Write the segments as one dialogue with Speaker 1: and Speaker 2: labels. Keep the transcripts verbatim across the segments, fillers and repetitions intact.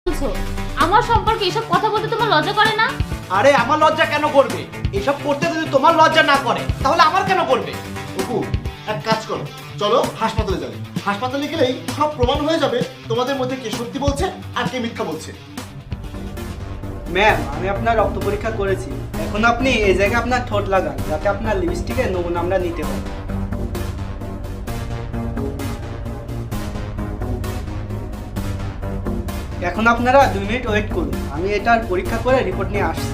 Speaker 1: বলছো? আমার সম্পর্কে এসব কথা বলতে তোমার লজ্জা করে না?
Speaker 2: আরে আমার লজ্জা কেন করবে? এসব করতে যদি তোমার লজ্জা না করে তাহলে আমার কেন করবে?
Speaker 3: অপু, এক কাজ করো, চলো হাসপাতালে যাবে। হাসপাতালে গেলেই সব প্রমাণ হয়ে যাবে তোমাদের মধ্যে কে সত্যি বলছে আর কে মিথ্যা বলছে।
Speaker 4: ম্যাম, আমি আপনার রক্ত পরীক্ষা করেছি। এখন আপনি এই জায়গায় আপনার ঠোঁট লাগান, যাতে আপনার লিপস্টিকের নমুনা আমরা নিতে পারি। এখন আপনারা দুই মিনিট ওয়েট করুন, আমি এটার পরীক্ষা করে রিপোর্ট নিয়ে আসছি।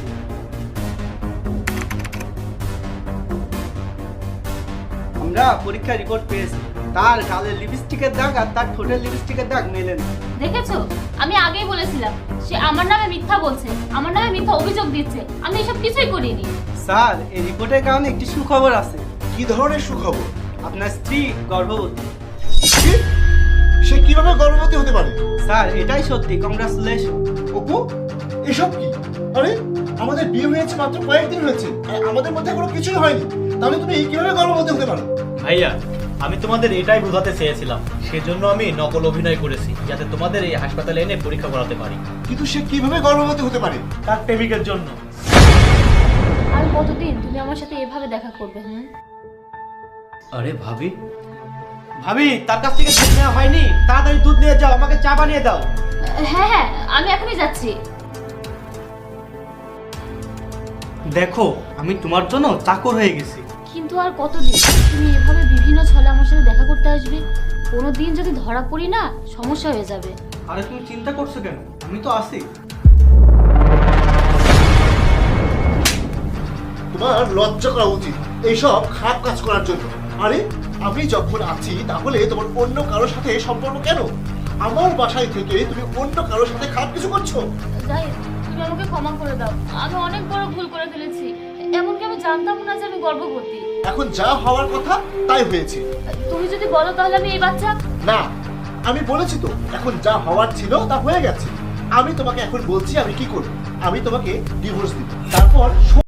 Speaker 4: আমরা পরীক্ষার রিপোর্ট পেয়েছি, তার গালের লিপস্টিকের দাগ আর তার ঠোঁটের লিপস্টিকের দাগ মেলে না।
Speaker 1: দেখেছো, আমি আগেই বলেছিলাম সে আমার নামে মিথ্যা বলছে, আমার নামে মিথ্যা অভিযোগ দিচ্ছে। আমি এসব কিছুই করিনি।
Speaker 4: স্যার, এই রিপোর্টের কারণে একটি সুখবর আছে।
Speaker 3: কি ধরনের সুখবর?
Speaker 4: আপনার স্ত্রী গর্ভবতী।
Speaker 3: কি? সে কিভাবে গর্ভবতী হতে পারে?
Speaker 4: স্যার, এটাই সত্যি, কংগ্রাচুলেশন।
Speaker 3: অপু, এসব কি? আরে আমাদের বিয়ে হয়েছে মাত্র কয়েকদিন হয়েছে আর আমাদের মধ্যে কোনো কিছুই হয়নি, তাহলে তুমি কিভাবে গর্ভবতী হতে পারো?
Speaker 2: ভাইয়া, আমি তোমাদের এটাই বোঝাতে চেয়েছিলাম, সেজন্য আমি নকল অভিনয় করেছি যাতে তোমাদের এই হাসপাতালে এনে পরীক্ষা করাতে পারি।
Speaker 3: কিন্তু সে কিভাবে গর্ভবতী হতে পারে?
Speaker 2: তার প্রেমিকের জন্য।
Speaker 1: আর কতদিন তুমি আমার সাথে এভাবে দেখা করবে? হুম,
Speaker 2: আরে ভাবি, ভাবি তার কাছ থেকে দুধ নেওয়া হয়নি? তাড়াতাড়ি দুধ নিয়ে যাও, আমাকে চা বানিয়ে দাও।
Speaker 1: হ্যাঁ হ্যাঁ, আমি এখনই যাচ্ছি।
Speaker 4: দেখো, আমি তোমার জন্য চাকর হয়ে গেছি।
Speaker 1: কিন্তু আর কতদিন তুমি এভাবে বিভিন্ন ছলে আমার সাথে দেখা করতে আসবে? কোনো দিন যদি ধরা পড়ি না, সমস্যা হয়ে যাবে।
Speaker 4: আরে তুমি চিন্তা করছো কেন? আমি তো আছি।
Speaker 3: তোমার লজ্জা করা উচিত এইসব খারাপ কাজ করার জন্য। আরে আমি যখন আছি তাহলে তোমার অন্য কারোর সাথে সম্পর্ক কেন? আমার বাসায় থেকে তুমি অন্য কারোর সাথে খারাপ কিছু করছো?
Speaker 1: যাই, তুমি আমাকে ক্ষমা করে দাও। আমি অনেক বড় ভুল করে ফেলেছি। এমনকি আমি জানতাম না যে আমি গর্ভবতী।
Speaker 3: এখন যা হওয়ার কথা তাই হয়েছে।
Speaker 1: তুমি যদি বলো তাহলে আমি এই বাচ্চা।
Speaker 3: না, আমি বলেছি তো, এখন যা হওয়ার ছিল তা হয়ে গেছে। আমি তোমাকে এখন বলছি আমি কি করব। আমি তোমাকে ডিভোর্স দিব, তারপর